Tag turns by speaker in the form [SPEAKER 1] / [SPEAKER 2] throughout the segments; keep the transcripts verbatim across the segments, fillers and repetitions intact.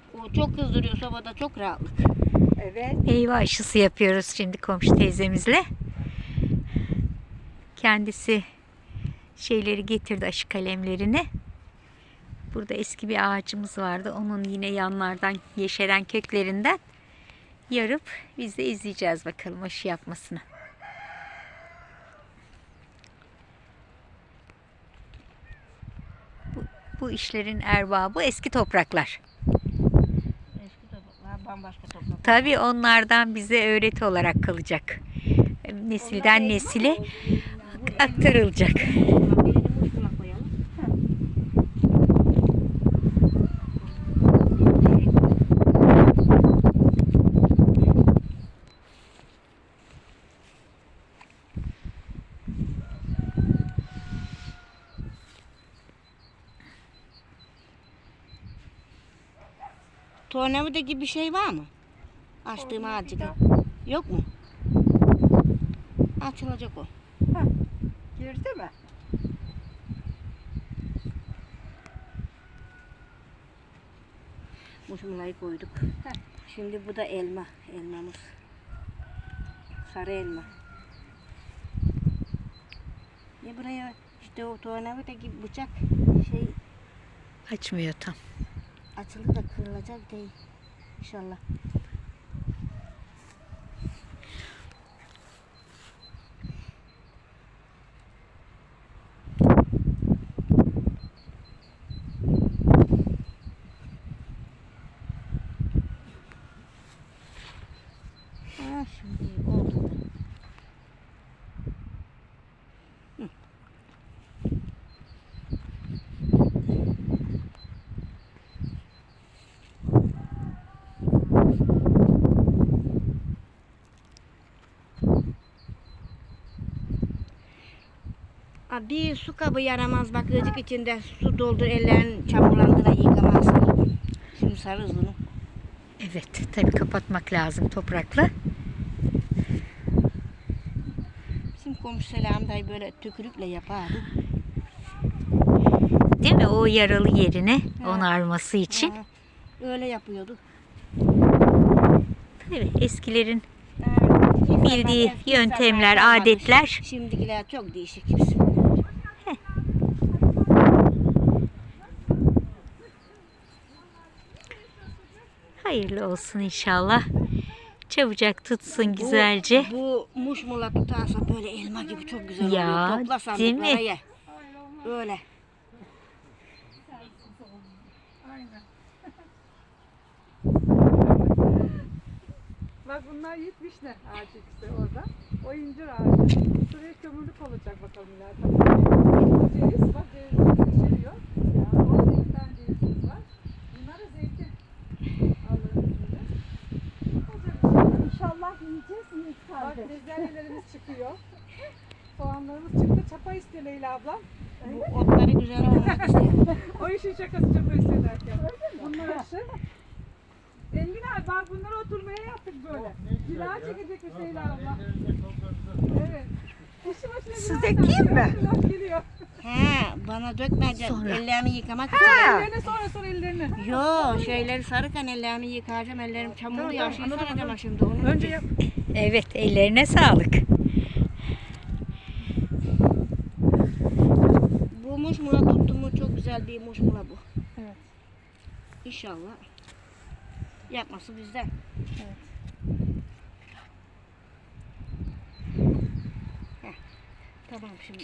[SPEAKER 1] O çok kızdırıyor sobada, çok rahatlık.
[SPEAKER 2] Evet.
[SPEAKER 3] Meyve aşısı yapıyoruz şimdi komşu teyzemizle. Kendisi şeyleri getirdi, aşı kalemlerini. Burada eski bir ağacımız vardı. Onun yine yanlardan yeşeren köklerinden yarıp biz de izleyeceğiz bakalım aşı yapmasını. Bu, bu işlerin erbabı eski topraklar.
[SPEAKER 1] Eski topraklar, bambaşka topraklar.
[SPEAKER 3] Tabii onlardan bize öğreti olarak kalacak. Nesilden nesile aktarılacak.
[SPEAKER 1] Birini muşmula koyalım. Tornavida gibi bir şey var mı? Açtığım ağacı gibi. Yok mu? Açılacak o.
[SPEAKER 2] Girdi mi?
[SPEAKER 1] Muşmulayı koyduk. Şimdi bu da elma. Elmamız. Sarı elma. Ya buraya işte o tornavida gibi bıçak şey
[SPEAKER 3] Açmıyor tam.
[SPEAKER 1] açıldı da kırılacak değil. İnşallah. Ha, şimdi oldu. Hı. Aa, bir su kabı yaramaz, bak ıcık içinde su doldur, ellerin çamurlandı da yıkamazsın. Şimdi sarırız bunu.
[SPEAKER 3] Evet, tabii kapatmak lazım toprakla.
[SPEAKER 1] Bizim komşu Selam dayı böyle tükürükle yapardı.
[SPEAKER 3] Değil mi? O yaralı yerine
[SPEAKER 1] Ha.
[SPEAKER 3] onarması için.
[SPEAKER 1] Ha, öyle yapıyordu.
[SPEAKER 3] Tabii eskilerin
[SPEAKER 1] Ha,
[SPEAKER 3] bildiği
[SPEAKER 1] eski
[SPEAKER 3] yöntemler,
[SPEAKER 1] insanlar kalmadı.
[SPEAKER 3] adetler.
[SPEAKER 1] Şimdikiler çok değişik.
[SPEAKER 3] Hayırlı olsun inşallah. Çabucak tutsun güzelce.
[SPEAKER 1] Bu, bu muşmula tutarsa böyle elma gibi çok güzel
[SPEAKER 3] Ya,
[SPEAKER 1] oluyor. Topla
[SPEAKER 3] değil mi?
[SPEAKER 1] sandıklara ye. Öyle.
[SPEAKER 2] Bak bunlar yiğit vişne ağacı ikisi orada. O incir ağacı. Şuraya kömürlük olacak bakalım ileride. Bu ceviz, bak ceviz içeriyor. Ya, orada bir tane cevizimiz var. Bunlar da zeytin. Allah'ın izniyle. Olacak inşallah. İnşallah yiyeceğiz mi? Bak bezelyelerimiz çıkıyor. Soğanlarımız çıktı. Çapa istiyor Leyla ablam.
[SPEAKER 1] Bu otları güzel olmak istiyor.
[SPEAKER 2] O işin şakası çapa istiyor derken. Bunlar aşı. Engin abi bak bunları oturmaya yaptık böyle. Zira çekecekmiş Leyla abla. Evet. İşi başına
[SPEAKER 3] Su
[SPEAKER 2] zira
[SPEAKER 3] dökeyim
[SPEAKER 2] sen-
[SPEAKER 3] mi?
[SPEAKER 2] Laf geliyor.
[SPEAKER 1] He, bana dökmeyeceğim.
[SPEAKER 3] Sonra.
[SPEAKER 1] Ellerimi yıkamak için.
[SPEAKER 2] Ellerini sonra sonra ellerini.
[SPEAKER 1] Yo, şeyleri sarırken ellerimi yıkayacağım. Ellerim çamurlu
[SPEAKER 2] Tamam,
[SPEAKER 1] ya. Şey
[SPEAKER 2] anladım,
[SPEAKER 1] saracağım
[SPEAKER 2] anladım.
[SPEAKER 1] şimdi onu.
[SPEAKER 2] Önce yap.
[SPEAKER 3] Evet, ellerine sağlık.
[SPEAKER 1] Bu muşmula tuttu mu çok güzel bir muşmula bu.
[SPEAKER 2] Evet.
[SPEAKER 1] İnşallah. Yapması bizden.
[SPEAKER 2] Evet.
[SPEAKER 1] Heh, tamam şimdi.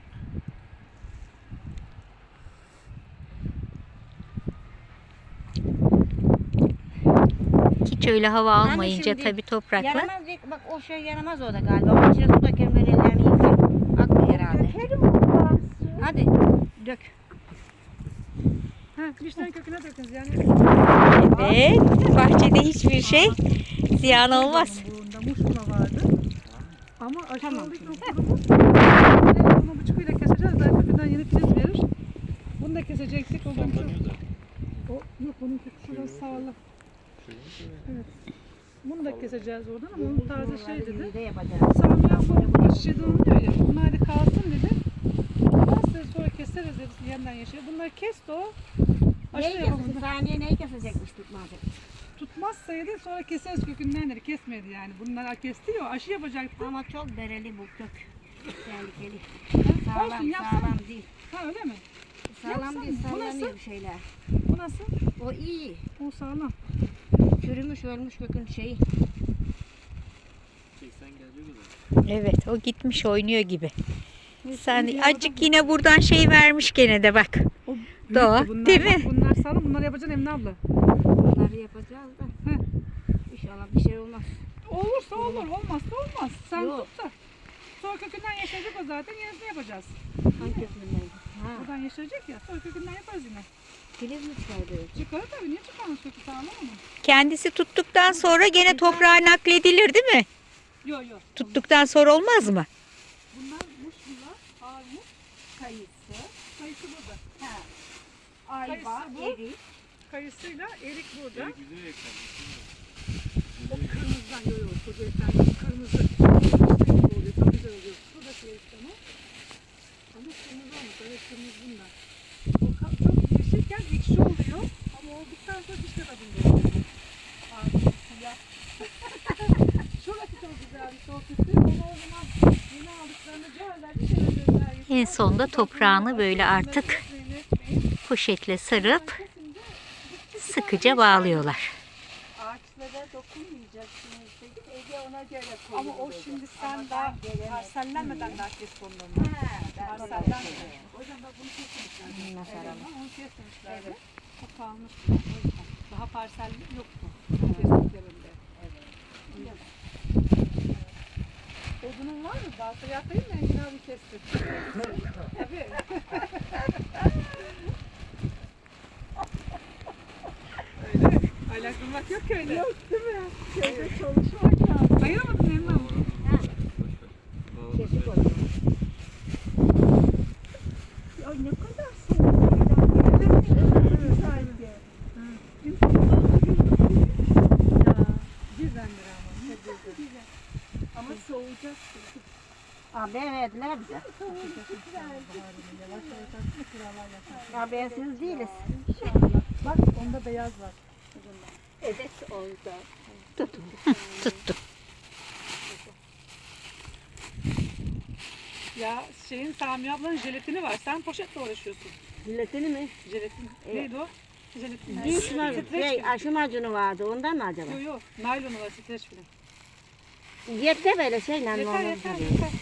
[SPEAKER 3] Hiç öyle hava
[SPEAKER 1] Hani
[SPEAKER 3] almayınca
[SPEAKER 1] şimdi
[SPEAKER 3] tabii toprakla.
[SPEAKER 1] Yaramaz değil. Bak o şey yaramaz orada galiba. Onun içine su dökerim, ben ellerimi yıkarım. Akmıyor herhalde. Hadi dök.
[SPEAKER 2] Ha, vişnenin köküne dökünüz yani.
[SPEAKER 3] Evet, bahçede hiçbir şey ziyan olmaz.
[SPEAKER 2] Bunda muşmula vardı. Ama aşı
[SPEAKER 1] Tamam.
[SPEAKER 2] olduğu için o kurumuş. Bunu bıçkıyla keseceğiz. Daha kökünden yeni filiz verir. Bunu da kesecektik. O zaman o, yok onun kökü şurası sağlam. Evet. Bunu da keseceğiz oradan ama onun taze şey dedi.
[SPEAKER 1] Bir de yapacağız.
[SPEAKER 2] Samya bu aşıda oluyor ya. Bunlar da kalsın dedi. Olmaz dedi sonra keseriz dedi yeniden yeşil. Bunları kesti o. Aşı
[SPEAKER 1] Neyi
[SPEAKER 2] yapalım.
[SPEAKER 1] kesecek? Saniye neyi kesecekmiş tutmayacak.
[SPEAKER 2] Tutmazsaydı sonra keseriz kökündenleri kesmedi yani. Bunlar kesti ya aşı yapacaktı.
[SPEAKER 1] Ama çok bereli bu kök. Tehlikeli.
[SPEAKER 2] Olsun,
[SPEAKER 1] Sağlam,
[SPEAKER 2] yapsana.
[SPEAKER 1] sağlam değil.
[SPEAKER 2] Ha öyle mi?
[SPEAKER 1] Sağlam
[SPEAKER 2] Yapsana.
[SPEAKER 1] değil,
[SPEAKER 2] Bu
[SPEAKER 1] sallanıyor
[SPEAKER 2] nasıl?
[SPEAKER 1] bir şeyler.
[SPEAKER 2] Bu nasıl?
[SPEAKER 1] O iyi.
[SPEAKER 2] O sağlam.
[SPEAKER 1] Çürümüş, ölmüş kökün şeyi.
[SPEAKER 4] seksen gelecek o da.
[SPEAKER 3] Evet, o gitmiş oynuyor gibi. Sen
[SPEAKER 2] bir
[SPEAKER 3] azıcık yine buradan şey vermiş gene de bak.
[SPEAKER 2] O
[SPEAKER 3] Doğa,
[SPEAKER 2] bunlar,
[SPEAKER 3] değil mi?
[SPEAKER 2] Bunlar sağlam. Bunları yapacaksın Emine abla.
[SPEAKER 1] Bunları yapacağız da.
[SPEAKER 2] Heh.
[SPEAKER 1] İnşallah bir şey olmaz.
[SPEAKER 2] Olursa olur, olmazsa olmaz. Sen
[SPEAKER 1] Yok.
[SPEAKER 2] tut da. Sonra kökünden yeşerecek o zaten. Yenisini yapacağız.
[SPEAKER 1] Hangi kökündeydi? Ha.
[SPEAKER 2] Buradan yeşerecek ya. Sonra kökünden yaparız yine.
[SPEAKER 1] Filiz mi çıkardı?
[SPEAKER 2] Çıkarır tabii. Niye çıkarmaz kökü sağlam ama?
[SPEAKER 3] Kendisi tuttuktan sonra gene toprağa nakledilir değil mi?
[SPEAKER 2] Yok yok.
[SPEAKER 3] Tuttuktan sonra olmaz mı?
[SPEAKER 2] Bunlar muşmular, armut, kayısı. Kayısı burada.
[SPEAKER 1] Ha.
[SPEAKER 2] Kayısı
[SPEAKER 1] Ayva,
[SPEAKER 2] bu.
[SPEAKER 1] erik.
[SPEAKER 2] Kayısıyla erik burada.
[SPEAKER 4] Erik güzel eklenmiş.
[SPEAKER 2] O kırmızıdan yok yok. Koca ekranı kırmızı. Kırmızı oluyor. Çok güzel oluyor. Bu da şey ekranı. Ama kırmızı olmuş. Evet kırmızı bundan. O ka- çok yeşilken ekşi oluyor. Ama olduktan sonra dişte tadında oluyor. Armut, siyah. Şurası çok güzelmiş. O sütü. Onu o zaman yeni aldıklarını görürler. Bir şey öldürürler.
[SPEAKER 3] En sonunda toprağını böyle artık poşetle sarıp sıkıca bağlıyorlar.
[SPEAKER 1] Ağaçlara dokunmayacaksınız dedik. Ege ona göre koydu.
[SPEAKER 2] Ama o şimdi sen daha parsellenmeden daha kes onları.
[SPEAKER 1] Ha,
[SPEAKER 2] Parsellenmeden. O yüzden bak bunu kesmişler.
[SPEAKER 1] Nasıl
[SPEAKER 2] Evet,
[SPEAKER 1] alalım?
[SPEAKER 2] onu kesmişlerdi. Çok kalmış. O yüzden. Daha parselli yoktu. Kestiklerinde. Evet. Odunun var mı? Baltaya atayım mı? Engin abi kesti. Tabii. Öyle. Aylaklanmak yok ki öyle. Yok değil mi? Köyde çalışmak lazım. Ayıramadın Emine abla.
[SPEAKER 1] Kesik olur.
[SPEAKER 2] Ya ne kadar soğuk. Evet, evet, sanki. Ya, birdenbire ama. Güzel. Ama soğuyacak.
[SPEAKER 1] Haber verdiler bize. Habersiz değiliz.
[SPEAKER 2] Bak onda beyaz var.
[SPEAKER 1] Evet oldu.
[SPEAKER 3] Tuttu.
[SPEAKER 2] Ya şeyin Sami ablanın jelatini var. Sen poşetle uğraşıyorsun.
[SPEAKER 1] Jiletini mi?
[SPEAKER 2] Jelatin.
[SPEAKER 1] Evet.
[SPEAKER 2] Neydi o? Jelatin.
[SPEAKER 1] Diş mi?
[SPEAKER 2] Streç
[SPEAKER 1] Şey,
[SPEAKER 2] film.
[SPEAKER 1] aşı macunu vardı ondan mı acaba?
[SPEAKER 2] Yok yok. Naylonu var streç film.
[SPEAKER 1] Yeter böyle şeyle
[SPEAKER 2] Yeter
[SPEAKER 1] normal
[SPEAKER 2] yeter
[SPEAKER 1] tabii.
[SPEAKER 2] yeter.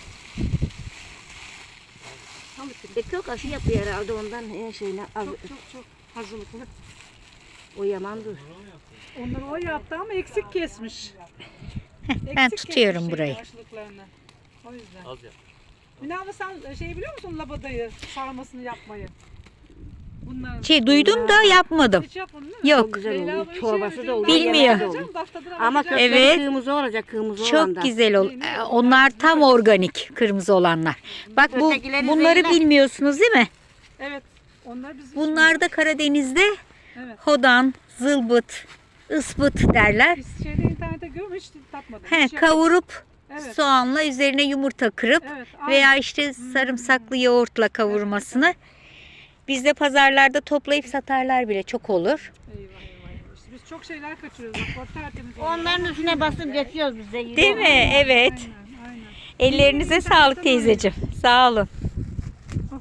[SPEAKER 1] E, çok aşı yapıyor herhalde ondan her şeyle az,
[SPEAKER 2] Çok çok çok hazırlıklı.
[SPEAKER 1] o yamandır.
[SPEAKER 2] Onları o yaptı ama eksik kesmiş.
[SPEAKER 3] Ben
[SPEAKER 2] Eksik
[SPEAKER 3] tutuyorum
[SPEAKER 2] kesmiş
[SPEAKER 3] burayı.
[SPEAKER 2] şeyi, aşılıklarını. O yüzden.
[SPEAKER 4] Az yap.
[SPEAKER 2] Mine abla sen şey biliyor musun labadayı sarmasını yapmayı? Bunların.
[SPEAKER 3] Şey duydum da yapmadım.
[SPEAKER 2] Hiç yapmadın değil mi?
[SPEAKER 3] Yok.
[SPEAKER 1] Çok güzel
[SPEAKER 2] Leyla
[SPEAKER 1] oluyor.
[SPEAKER 2] abla hiç
[SPEAKER 1] Çorbası
[SPEAKER 2] yemedim.
[SPEAKER 1] da oluyor.
[SPEAKER 2] Ben
[SPEAKER 3] Bilmiyor.
[SPEAKER 2] yapacağım, bak tadına
[SPEAKER 1] Ama
[SPEAKER 2] bakacağım.
[SPEAKER 1] kökleri
[SPEAKER 3] Evet.
[SPEAKER 1] kırmızı olacak kırmızı olan da.
[SPEAKER 3] Çok güzel ol. Ee, Onlar tam organik kırmızı olanlar. Bak bu
[SPEAKER 1] Ötekileri
[SPEAKER 3] bunları
[SPEAKER 1] zehirler.
[SPEAKER 3] bilmiyorsunuz değil mi?
[SPEAKER 2] Evet. Onlar bizim
[SPEAKER 3] Bunlar da Karadeniz'de
[SPEAKER 2] Evet.
[SPEAKER 3] hodan, zılbıt, ıspıt derler.
[SPEAKER 2] Biz şeyde internette görmüş hiç tatmadım.
[SPEAKER 3] He,
[SPEAKER 2] Hiç yapmadım.
[SPEAKER 3] kavurup
[SPEAKER 2] Evet.
[SPEAKER 3] soğanla üzerine yumurta kırıp
[SPEAKER 2] Evet. aynı.
[SPEAKER 3] veya işte sarımsaklı yoğurtla kavurmasını bizde pazarlarda toplayıp satarlar bile çok olur.
[SPEAKER 2] Eyvah eyvah eyvah. İşte biz çok şeyler kaçırıyoruz. Bak bak tertemiz oluyor.
[SPEAKER 1] Onların üstüne basıp geçiyoruz biz de.
[SPEAKER 3] Değil mi? Evet.
[SPEAKER 2] Aynen aynen.
[SPEAKER 3] Ellerinize sağlık teyzeciğim. Sağ olun.